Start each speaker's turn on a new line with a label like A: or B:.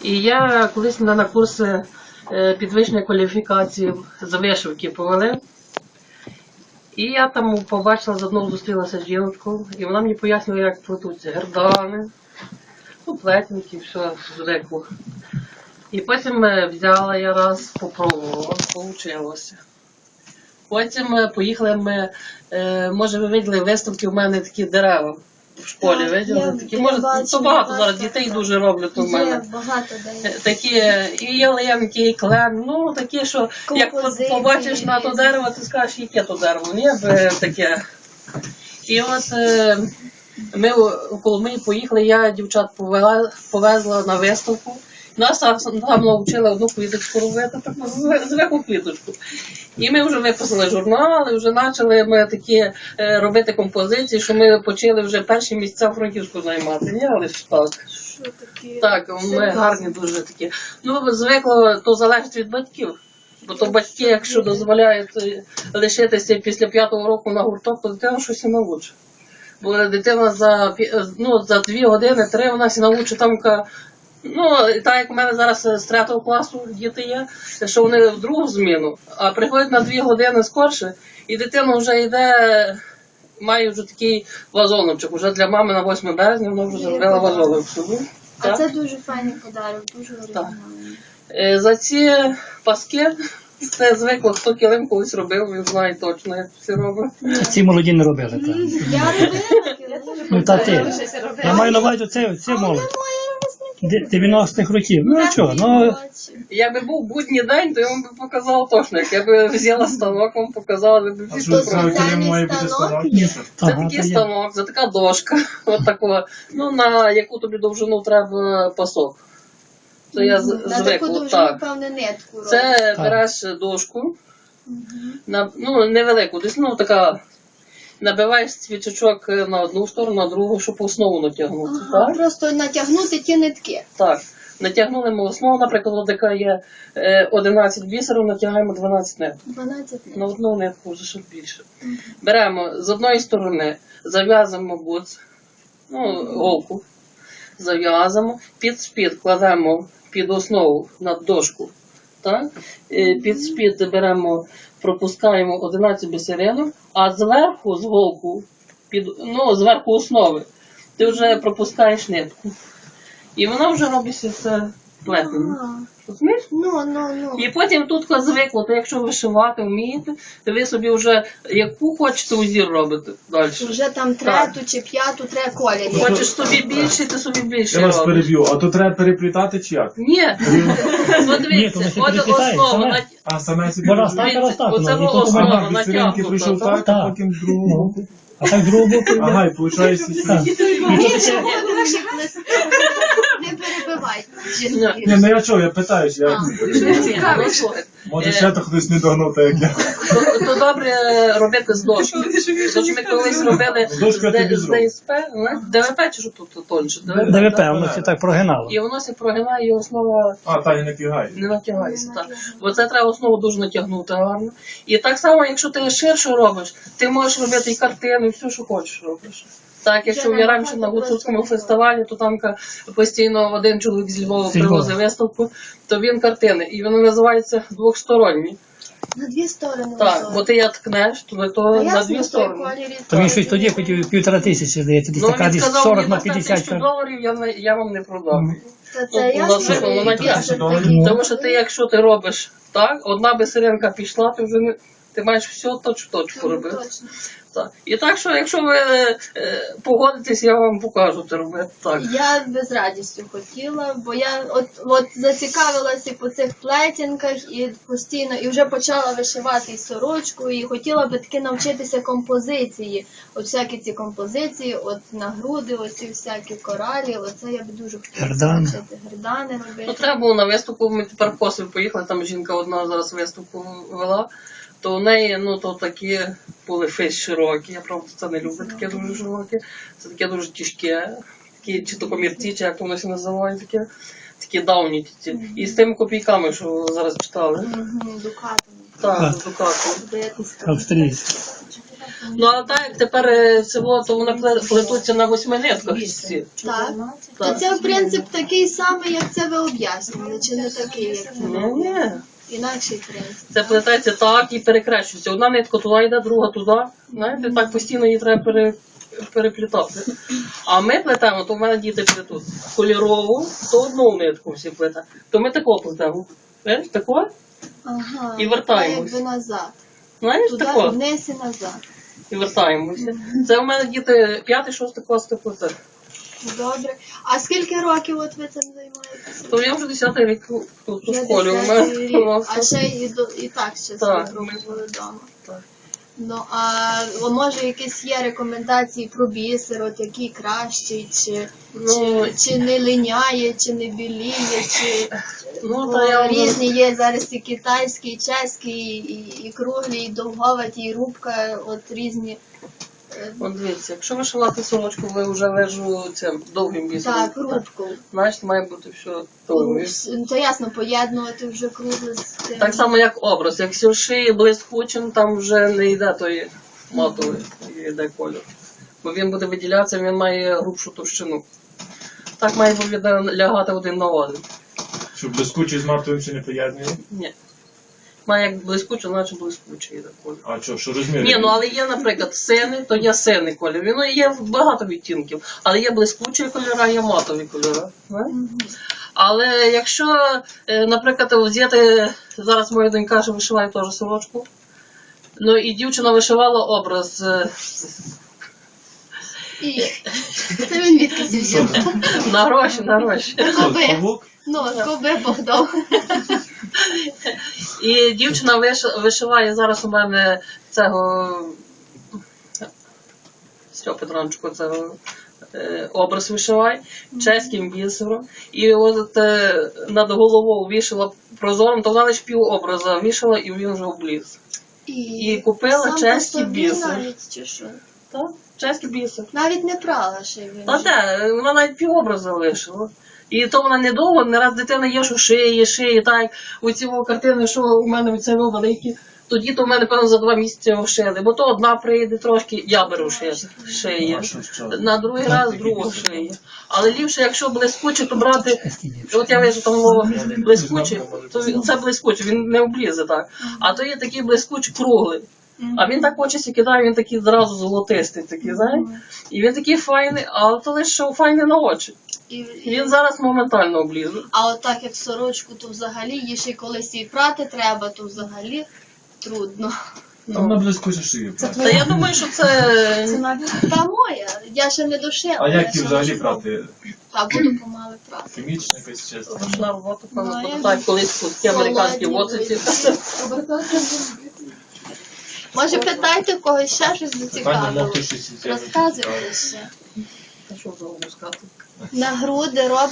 A: І я колись мене на курси підвищення кваліфікації з вишивки повели. І я там побачила, заодно зустрілася з жінкою, і вона мені пояснила, як плетуться гердани, плетники, все звикло. І потім взяла я раз, попробувала, вийшло. Потім поїхали ми, може ви виділи виставки, у мене такі дерева в школі, виділи? Такі, може, то багато зараз дітей дуже роблять у мене. Такі, і ялинки, і клен, ну такі, що як побачиш на то дерево, ти скажеш, яке то дерево, ні, таке. І от ми коли ми поїхали, я дівчат повезла на виставку. Нас там навчили одну квіточку робити, таку звиклу квіточку. І ми вже виписали журнали, вже почали ми такі робити композиції, що ми почали вже перші місця в Франківську займати. Ні, але ж так. Так, ми гарні дуже такі. Ну, звикло, то залежить від батьків. Бо то батьки, якщо дозволяють лишитися після 5-го року на гурток, то дитина щось і навчить. Бо дитина за 2 години, 3 вона сі навчить там. Ну, так як у мене зараз з 3-го класу діти є, що вони в другу зміну, а приходять на 2 години скорше, і дитина вже йде, має вже такий вазоночок, вже для мами на 8 березня вона вже зробила вазоночок.
B: А це дуже файний подарунок, дуже оригінальний.
A: За ці паски, це звикло, хто килим колись робив, він знає точно, як всі роблять.
C: Ці молоді не робили. Так.
B: Я робила килим.
C: Ну, та ти. Я маю на увазі, це молодь. 90-х років. Ну, чого, ну...
A: Якби був будній день, то я вам би показав точно. Як я би взяла станок, вам показала, ви б всі
B: спробували.
A: Це такий станок, це така дошка, от такого, ну, на яку тобі довжину треба пасок. Це я
B: на таку довжину, певне, нитку робиш.
A: Це береш дошку, ну, невелику, десь, ну, така, набиваєш свічечок на одну сторону, на другу, щоб основу натягнути.
B: Ага,
A: так?
B: просто натягнути ті нитки.
A: Так. Натягнули ми основу, наприклад, яка є 11 бісерів, натягаємо 12 ниток.
B: 12 ниток.
A: На одну нитку вже щоб більше. Беремо з одної сторони, зав'язуємо буц, ну, голку, зав'язуємо, під спід кладемо під основу на дошку. Так? Під спід беремо, пропускаємо 11 бісеринок, а зверху, з голку, зверху основи, ти вже пропускаєш нитку. І вона вже робиться все плетення. Розумієш?
B: Ну.
A: І потім тут звикло, то якщо вишивати вмієте, то ви собі вже яку хочете узір робити далі.
B: Вже там 3-ту чи 5-ту треба кольорів.
A: Хочеш собі більше, ти собі більше
D: Я
A: робиш.
D: вас переб'ю, а то треба переплітати чи як?
A: Ні. Подивіться, от основа.
D: А саме собі
C: Вона стати
A: Оце
C: розтакана.
A: основа
D: бісеринки прийшов так, а потім з другого боку.
C: А так другого боку.
D: Ага, і виходить,
B: Не перебивайте.
D: ні, ну я чого, я питаюсь, може ще то хтось не догнув, так як я.
A: То добре робити з дошки. Тож ми колись робили з ДСП, ДВП чи що тут тонше?
C: ДВП, воно це так прогинало.
A: І воно се прогинає, і основа
D: Та і натягає.
A: не натягається. Так. Бо це треба основу дуже натягнути гарно. І так само, якщо ти ширше робиш, ти можеш робити і картини, і все, що хочеш робиш. Так, якщо я раніше на Гуцульському фестивалі, то там постійно один чоловік з Львова привозив виставку, то він картини, і вони називаються двохсторонні.
B: На 2 сторони.
A: Так, бо ти як ткнеш, то на 2 сторони.
C: То він щось тоді хотів 1500, здається, десь така десь 40 на 50.
A: $1000 я вам не продам.
B: Це ясно.
A: Тому що ти, якщо ти робиш так, одна бисеринка пішла, ти вже не... Ти маєш все точку робити. Так. І так, що якщо ви погодитесь, я вам покажу це робити. Так.
B: Я без радістю хотіла, бо я от зацікавилася по цих плетінках і постійно, і вже почала вишивати і сорочку, і хотіла би таки навчитися композиції. От всякі ці композиції, от на груди, оці всякі коралі, оце я б дуже хотіла навчити. Гердани робити.
A: Ну, треба було на виставку, ми тепер в Косів поїхали, там жінка одна зараз виставку вела. То в неї, ну, то такі були фейс широкі, я правда це не люблю, таке дуже широке, це таке дуже тяжке, такі, чи то комірці, чи як воно се називає, такі давні. І з тими копійками, що зараз читали.
B: Дукатами.
A: Так, з дукатами.
C: Австрійські.
A: Ну а так, як тепер село, то вони плетуться на 8 нитках всі.
B: Так. То
A: Так.
B: це принцип такий самий, як це ви об'яснювали, чи не такий, як це ви
A: Ні, ні.
B: інакший принцип.
A: Це плететься так і перекрещується. Одна нитка туди йде, друга туди. Знаєте, так постійно її треба переплітати. А ми плетемо, то в мене діти плетуть кольорову, то одну нитку всі плетуть. То ми тако плетемо. Знаєш, тако?
B: Ага.
A: І вертаємось.
B: Якби назад.
A: Знаєш,
B: Туди,
A: тако.
B: вниз і назад.
A: І вертаємося. Це в мене діти 5-6 клас плетуть.
B: Добре. А скільки років от ви цим займаєтеся?
A: То я вже 10-й рік тут у
B: Вже
A: школі. У
B: 10-й
A: мене
B: рік.
A: ну,
B: А ще і так ще
A: Так.
B: спробували вдома.
A: Так.
B: Ну, а може якісь є рекомендації про бісер, от який кращий,
A: Ну,
B: чи не линяє, чи не біліє, чи
A: ну,
B: бо
A: та я вже-
B: різні є зараз і китайський, і чеський, і круглі, і довговаті, і рубка, от різні.
A: От дивіться, якщо вишивати сорочку, ви вже вижу цим довгим бісером.
B: Так, рубку.
A: Значить, має бути все довге.
B: Ну, то ясно, поєднувати вже кругле з тим.
A: Так само, як образ. Якщо шиє блискучим, там вже не йде той матовий, йде кольор. Бо він буде виділятися, він має грубшу товщину. Так має лягати один на один.
D: Щоб блискучий з матовим ще не поєднує.
A: Ні. Має як блискуче, значить блискучий йде колір.
D: А що розміри?
A: Ні, ну але є, наприклад, синий, то є синий колір. Ну, є багато відтінків, але є блискучі кольори, є матові кольори. знаєте? Але якщо, наприклад, взяти, зараз моя донька ще вишиває теж сорочку, ну і дівчина вишивала образ
B: І це він відкиси взяв.
A: на гроші.
B: Коби.
D: Павук?
B: Ну, коби Богдан.
A: І дівчина вишиває зараз у мене цього Стьопа Петранчуку, цього образ вишиває, чеським бісером. І от над головою вішала прозором, то вона лише пів образа вішала і він вже обліз. І купила
B: сам
A: чеський
B: по собі
A: бісер.
B: навіть, чи що?
A: Так, чеський бісер.
B: Навіть не прала ще він.
A: Та де, вона навіть пів образа лишила. І то вона недовго, не раз дитина є, що шиє, так, у ці картини, що у мене це великі. Тоді то в мене, певно, за 2 місяці шили, бо то одна прийде трошки, я беру шиє.
D: А що?
A: На другий раз другу шиє. Але ліпше, якщо блискуче, то брати, от я вижу там блискуче, то це блискуче, він не облізе так. А то є такий блискучий круглий. А він так очі кидає, він такий зразу золотистий, такий, знаєш? І він такий файний, але то лише файний на очі.
B: І
A: Він зараз моментально облізе.
B: А от так як сорочку, то взагалі її ще й колись і прати треба, то взагалі трудно.
D: Там на блискуче шиє.
A: Та я думаю, що це...
B: Та моя, я ще не дошила.
D: А
B: я
D: як ті
B: ще
D: взагалі
B: лише-
D: брати?
B: Та буду помали прати.
D: Хімічна якась чесно.
A: Ручна робота, певно,
B: Ну,
A: буде
B: я
A: так, колись такі американські
B: Холодні
A: воциці.
B: Може питайте в когось ще щось
D: Питання
B: зацікавило.
D: мов щось.
B: Розказуйте ще.
A: Та що вже розказати?
B: На груди робите.